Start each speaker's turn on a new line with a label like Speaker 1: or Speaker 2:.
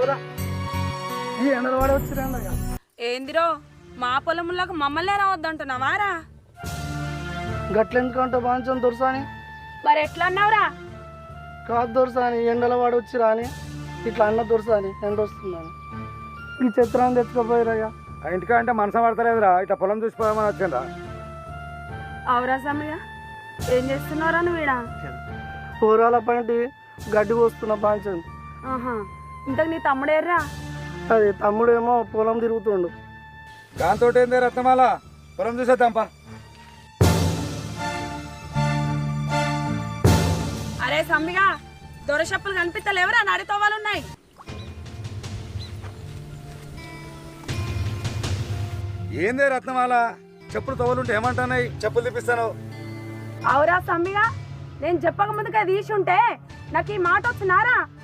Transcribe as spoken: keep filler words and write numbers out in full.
Speaker 1: కూర ఈ ఎండలు వాడి వచ్చిరా
Speaker 2: ఏందిరో మా పొలంలోకి మమ్మల్నే రావద్దంటున్నావారా?
Speaker 1: గట్లెందుకంటే బాగా దొరసాని
Speaker 2: మరి ఎట్లా అన్నావురా?
Speaker 1: కాదు దొరసాని ఎండల వాడి వచ్చిరా అని ఇట్లా అన్న దొరసాని ఎండ వస్తుందని ఈ చిత్రాన్ని తెచ్చుకోపోయిరయ్యా.
Speaker 3: ఆ ఇంటికా అంటే మనసు పడతలేదురా, ఇట్లా పొలం చూసిపోదామని వచ్చిండ్రా.
Speaker 2: అవురా సమయ ఏం చేస్తున్నారా నువ్వుడా?
Speaker 1: కూరాల పంటి గడ్డి పోస్తున్న బాంచం.
Speaker 2: ఆహా, ఇంతకు నీ తమ్ముడేర్రా?
Speaker 1: అది తమ్ముడేమో పొలం తిరుగుతుండు.
Speaker 3: దాంతో ఏందే రత్నమాల, పొలం చూసేద్దాంపా.
Speaker 2: అరే సమ్మిగా దొరషప్పులు కనిపిస్తలేవరా? నడితోవాలు ఉన్నాయి.
Speaker 3: ఏందే రత్నమాల, చెప్పులు తోలుంటే ఏమంటున్నాయి? చెప్పులు తిప్పిస్తాను.
Speaker 2: అవురా సమ్మిగా, నేను చెప్పక ముందుగా తీసి ఉంటే నాకు ఈ మాట వచ్చినారా?